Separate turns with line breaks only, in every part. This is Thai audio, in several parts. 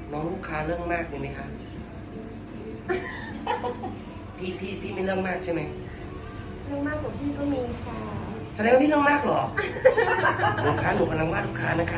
น้องลูกค้าเรื่องมากเลยไหมคะพี่ไม่เรื่องมากใช่ไหม
เรื่องมากกว่าพี่ก็มีค่ะ
แสดงว่าพี่เรื่องมากหรอลูกค้าหนูกำลังว่าลูกค้านะคะ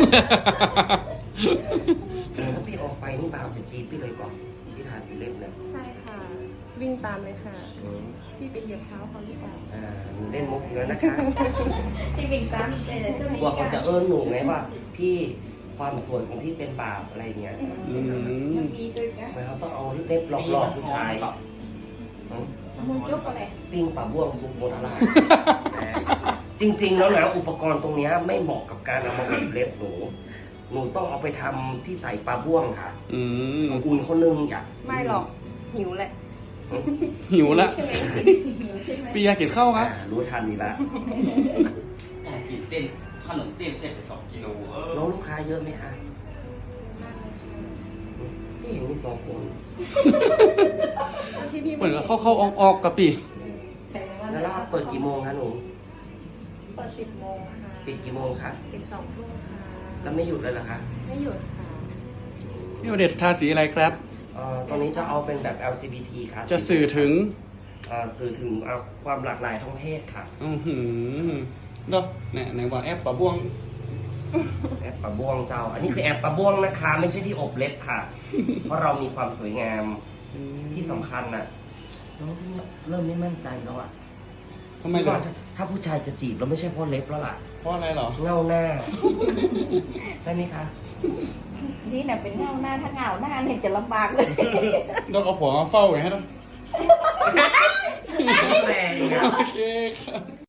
ถ้าพี่ออกไปนี่บ่าวจะจีบพี่เลยก่อนพี่ทาสีเล็บเนี่ย
ใช่ค่ะวิ่งตามเลยค่ะพี่ไปเหยียบเท้าเขาหรือเปล่า
หนูเล่นมุกอีกแล้วนะคะ
ที่วิ่งตามเลยจะมี
กลัวเขาจะหนูไงว่าพี่ความสวยของพี่เป็นบาปอะไรเงี้ย
มีด้วยกัน
เขาต้องเอาเล็บหลอกผู้ชาย
มึงยกอะไร
ปิ้งปลาบ้วงซุปโบราณจริงๆแล้วนะอุปกรณ์ตรงนี้ไม่เหมาะกับการเอามาบีบเล็บหนูต้องเอาไปทำที่ใส่ปลาบ้วงค่ะอุ่นคนนึงอยาก
ไม่หรอกหิวแหละ
หิวละ
หิวใช่ไหม
ปีอยากกินข้าวครับ
รู้ทันนี่ละ
แต่กินเส้นขนมเส้นไป2 กิโล
น้องลูกค้าเยอะไหมคะนี่เห็นมี2 คน
เปิดเข้าออกกับปี
แล้วร้านเปิดกี่โมงคะหนู
เปิด10 โมงค่ะ
ปิดกี่โมงคะ
ปิด2 ทุ่มค่ะ
แล้วไม่หยุดเลยเหรอคะ
ไม่หยุดค่ะ
พี่เด็ดทาสีอะไรครับ
ตอนนี้จะเอาเป็นแบบ LGBT ค่ะ
จะสื่อถึง
ความหลากหลายทางเพศค่ะ
เนาะไหนว่าแอปปะบ้วง
แอปปะบ้วงเจ้าอันนี้คือแอปปะบ้วงนะคะไม่ใช่ที่อบเล็บค่ะ เพราะเรามีความสวยงามที่สำคัญน่ะน้องเริ่มไม่มั่นใจแล้วอ่ะ
ทำไมล่ะ
ถ้าผู้ชายจะจีบเราไม่ใช่เพราะเล็บแล้วล่ะ
เพราะอะไรหรอ
เงาหน้าใช่ไหมคะ
นี่เนี่ยเป็นเงาหน้าถ้าเงาหน้าเนี่ยจะลำบากเลย
ต้องเอาผัวมาเฝ้าไงฮะต้อง
แรงอ่ะ
โอเคครับ